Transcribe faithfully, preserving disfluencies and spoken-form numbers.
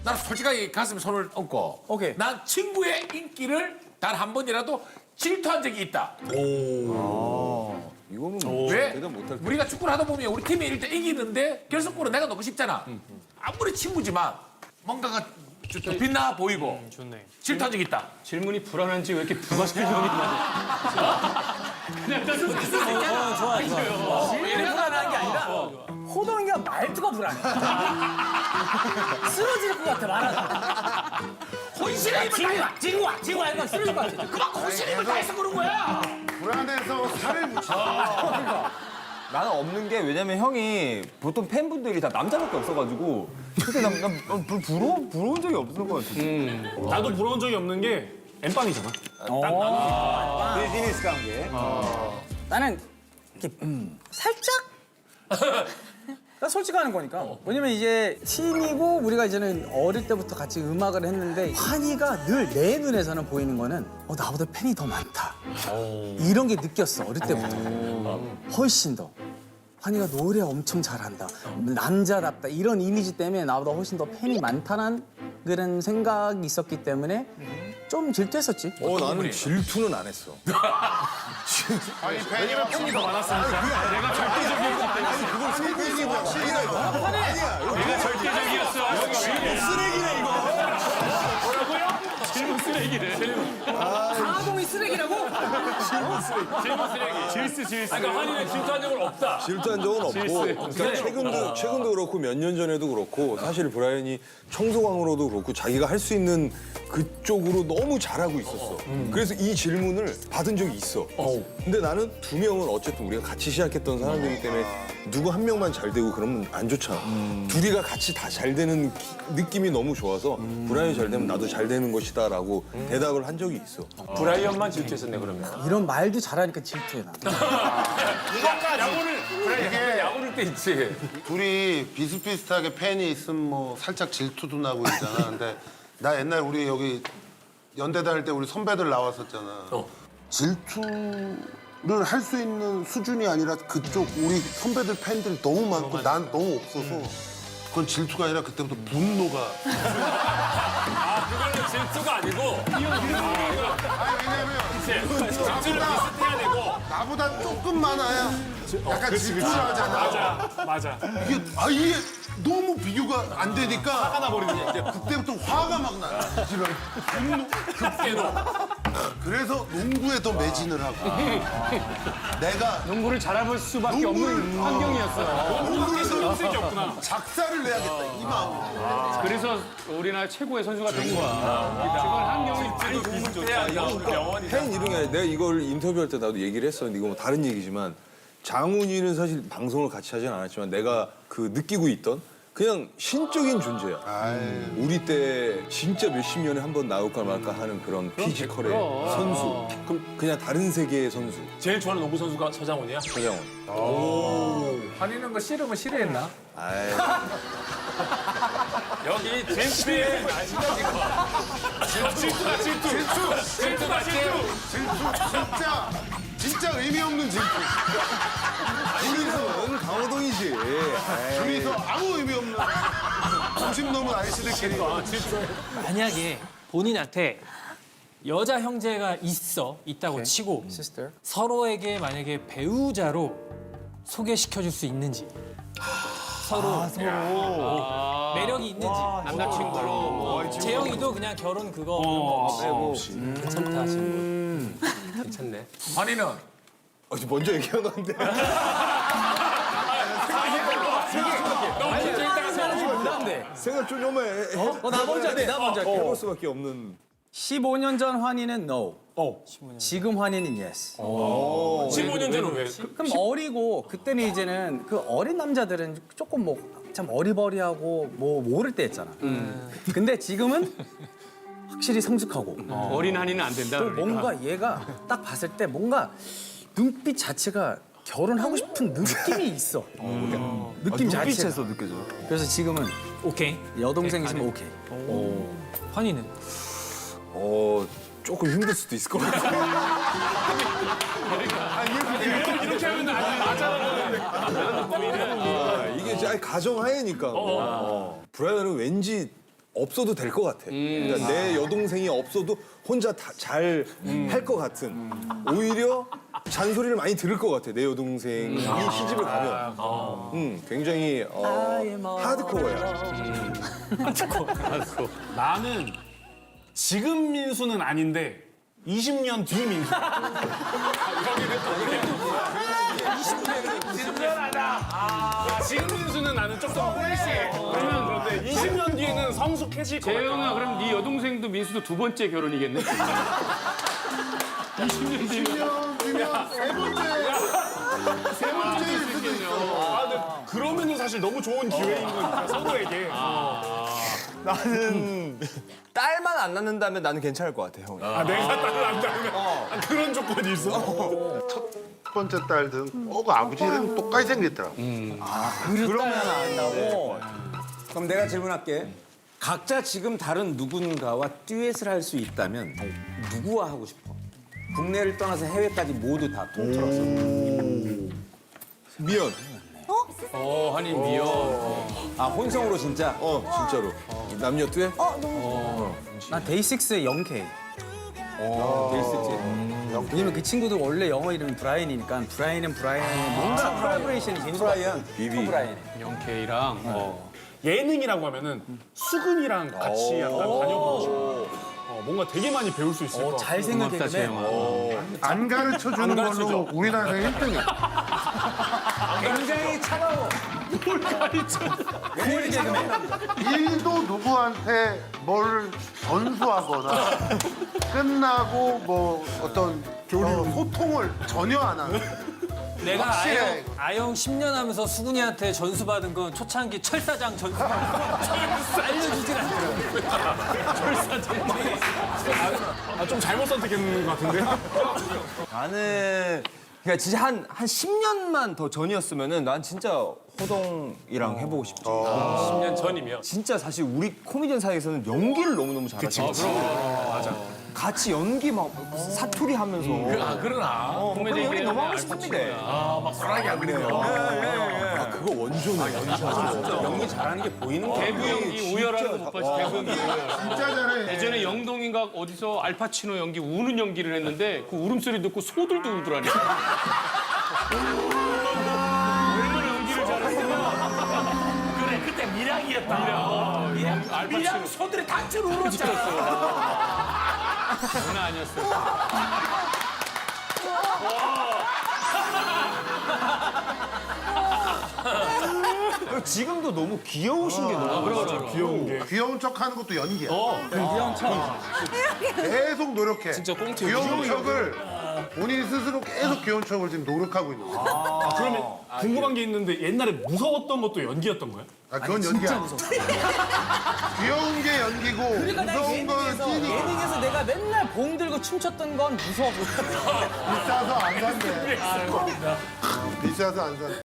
난 솔직하게 가슴에 손을 얹고 오케이. 난 친구의 인기를 단 한 번이라도 질투한 적이 있다. 이거는 왜? 대답 못할 때. 우리가 축구를 하다 보면 우리 팀이 일단 이기는데 결승골은 내가 넣고 싶잖아. 아무리 친구지만 뭔가가 좀 빛나 보이고 좋네. 질투한 적이 있다. 질문이 불안한지 왜 이렇게 부가시킬 질문이 많아? 그냥 딱 어, 좋아, 좋아. 질문이 불안한 게 아니라 호동이가 말투가 불안해. 쓰러질 것 같아, 말하다. 혼신의 힘을 지구야, 다해. 지구야, 지구야, 이거 쓰러질 것 같아. 그만큼 혼신의 힘을 다해서 그런 거야. 불안해서 살을 묻혀. 나는 없는 게 왜냐면 형이 보통 팬분들이 다 남자밖에 없어가지고 그때 난, 난, 난 부- 부러워, 부러운 적이 없을 것 같아. 나도 부러운 적이 없는 게 엠빵이잖아. 비즈니스 관계. 나는 이렇게 음, 살짝? 나 솔직하는 거니까. 왜냐면 이제 팀이고 우리가 이제는 어릴 때부터 같이 음악을 했는데 환희가 늘 내 눈에서는 보이는 거는 어, 나보다 팬이 더 많다. 이런 게 느꼈어, 어릴 때부터. 훨씬 더. 환희가 노래 엄청 잘한다. 남자답다. 이런 이미지 때문에 나보다 훨씬 더 팬이 많다는 그런 생각이 있었기 때문에 좀 질투했었지. 어, 나는 질투는 안 했어. 아니 팬이 팬이 더 많았으니까. 내가 절대적이었기 때문에. 그걸 세계인이 뭐야? 아니야. 내가 절대적이었어. 쓰레기네, 이거. 질문 쓰레기래. 강화동이 쓰레기라고? 질문 쓰레기. 질스 질스. 그러니까 한이는 질투한 적은 없다. 질투한 적은 없고 그러니까 최근도 최근도 그렇고 몇 년 전에도 그렇고 사실 브라이언이 청소광으로도 그렇고 자기가 할 수 있는 그쪽으로 너무 잘하고 있었어. 그래서 이 질문을 받은 적이 있어. 근데 나는 두 명은 어쨌든 우리가 같이 시작했던 사람들이기 때문에 누구 한 명만 잘 되고 그러면 안 좋잖아. 둘이가 같이 다 잘 되는 기- 느낌이 너무 좋아서 브라이언이 잘 되면 나도 잘 되는 것이다라고 대답을 한 적이 있어. 브라이언만 질투했었네 그러면. 이런 말도 잘하니까 질투해, 나. 야구를 브라이언 야구를 때 있지. 둘이 비슷비슷하게 팬이 있으면 뭐 살짝 질투도 나고 있잖아. 근데 나 옛날 우리 여기 연대 다닐 때 우리 선배들 나왔었잖아. 질투를 할 수 있는 수준이 아니라 그쪽 우리 선배들 팬들이 너무 많고 난 너무 없어서 그건 질투가 아니라 그때부터 분노가. 아 그거는 질투가 아니고. 아니 왜냐면 질투를 비슷해야 되고. 나보다 조금 많아야 약간 질투를 하잖아. 맞아 맞아. 이게 아 이게 너무 비교가 안 되니까 화가 나버리는 거야. 그때부터 화가 막 나. 이런 분노 깨도. 그래서 농구에 더 매진을 하고 내가 농구를 잘해볼 수밖에 없는 환경이었어. 농구에서 쓸 게 없구나. 작사를 내야겠다 이 마음. 그래서 우리나라 최고의 선수가 된 거야. 그건 환경이 많이 도움을 줬다. 팬 이런 게 아니라 내가 이걸 인터뷰할 때 나도 얘기를 했었는데 이거 뭐 다른 얘기지만 장훈이는 사실 방송을 같이 하진 않았지만 내가 그 느끼고 있던 그냥 신적인 존재야. 우리 때 진짜 몇십 년에 한 번 나올까 말까 하는 그런 피지컬의 선수. 그럼 그냥 다른 세계의 선수. 제일 좋아하는 농구 선수가 서장훈이야? 서장훈. 한이는 거 싫으면 싫어했나? 아이, 여기 젠피의 질투가 질투. 질투. 질투가 질투. 진짜 진짜 의미 없는 질투. 둘이서는 강호동이지. 아이. 둘이서 아무 의미 없는 오십 넘은 아이씨들끼리 만약에 본인한테 여자 형제가 있어 있다고 치고 시스터. 서로에게 만약에 배우자로 소개시켜줄 수 있는지 서로 어, 매력이 있는지 남자친구로 뭐. 재영이도 그냥 결혼 그거 없이 선택하시는 거. 괜찮네. 한이는 어, 먼저 얘기한 건데. 생각 좀 좀 해. 어, 나 먼저 할게, 나 먼저 할게. 해볼 수밖에 없는. 십오 년 전 환희는 no. 지금 환희는 yes. 십오 년 전은 왜? 그럼 어리고 그때는 이제는 그 어린 남자들은 조금 뭐 참 어리버리하고 뭐 모를 때였잖아. 근데 지금은 확실히 성숙하고 어린 한이는 안 된다. 또 그러니까. 뭔가 얘가 딱 봤을 때 뭔가 눈빛 자체가 결혼하고 싶은 느낌이 있어. 느낌 자체가. 눈빛에서 느껴져. 그래서 지금은 오케이. 여동생 있으면 오케이. 환희는 어, 조금 힘들 수도 있을 것 같아. 이렇게 하면 맞아. 아, 이게 이제 아니, 가정하에니까. 어. 브라이언은 왠지 없어도 될 것 같아. 그러니까 내 여동생이 없어도 혼자 잘 할 것 같은. 오히려 잔소리를 많이 들을 것 같아. 내 여동생이 시집을 가면. 음, 굉장히 어, 하드코어야. 나는 지금 민수는 아닌데 이십 년 뒤 민수. 아, 지금 민수는 나는 조금 훨씬 그러면 그런데 이십 년 뒤에는 성숙해질 것 같아. 재영아, 그럼 네 여동생도 민수도 두 번째 결혼이겠네? 이십 년 뒤면. 십 년 뒤면 세 번째 세 번째일 수도 있어. 아, 근데 그러면은 사실 너무 좋은 기회인 거니까 서로에게. 나는 딸만 안 낳는다면 나는 괜찮을 것 같아, 형. 아, 내가 딸을 안 낳으면 아, 그런 조건이 있어? 첫 번째 딸든 어, 그 아버지는 똑같이 생겼더라고. 그러면 안 한다고? 그럼 내가 질문할게. 각자 지금 다른 누군가와 듀엣을 할 수 있다면 누구와 하고 싶어? 국내를 떠나서 해외까지 모두 다 통틀어서. 미연. 어, 한인 미연. 아, 혼성으로 진짜? 어, 진짜로. 남녀 듀엣? 난 데이식스의 영케이. 데이식스. 왜냐면 그 친구도 원래 영어 이름이 브라이언이니까 브라이언은 브라이언의 뭔가 콜라보레이션이 재밌는 거 같아요. 비비. 브라이언. 영케이랑. 어. 예능이라고 하면은 수근이랑 같이 약간 다녀보고 싶어. 어, 뭔가 되게 많이 배울 수 있을 것 같아. 잘 생각해 고맙다, 재영아. 안 가르쳐 주는 걸로 우리나라에서 일 등이야. 굉장히 차가워. 일도 누구한테 뭘 전수하거나 끝나고 뭐 어떤 어, 소통을 전혀 안 하는. 내가 확실해. 아영, 아영 십 년 하면서 수근이한테 전수받은 건 초창기 철사장 전수. 알려주질 않더라고. 아, 좀 잘못 선택했는 것 같은데? 나는 그러니까 진짜 한, 한 십 년만 더 전이었으면은 난 진짜 호동이랑 해보고 싶지. 십 년 전이면. 진짜 사실 우리 코미디언 사이에서는 연기를 너무너무 잘하잖아. 맞아. 같이 연기 막 사투리 하면서. 아, 그러나. 어, 그런 연기 너무 하고 싶은데. 아, 막 소라게 안 그리면. 아, 그거 원조네. 연기 잘하는 게 보이는 거야. 대구 연기 우열하는 거 못 봤지, 대구 연기 우열. 진짜 잘해. 예전에 영동인가 어디서 알파치노 연기, 우는 연기를 했는데 그 울음소리 듣고 소들도 울더라니. 얼마나 연기를 잘했으면. 그래, 그때 미량이었다. 미량. 미량, 미량 소들이 단체로 울었잖아. 장난 아니었어. 지금도 너무 귀여우신 게 너무 많아. 귀여운 게. 귀여운 척 하는 것도 연기야. 귀여운 척. 계속 노력해. 진짜 꽁트 귀여운 척을 본인 스스로 계속 귀여운 척을 지금 노력하고 있는 거야. 아, 그러면 궁금한 게 있는데 옛날에 무서웠던 것도 연기였던 거야? 아, 그건 연기야. 귀여운 게 연기고 그러니까 나 무서운 거는 예능에서, 찐이야. 예능에서 내가 맨날 봉 들고 춤췄던 건 무서워. 비싸서 안 산대. 비싸서 안 산대.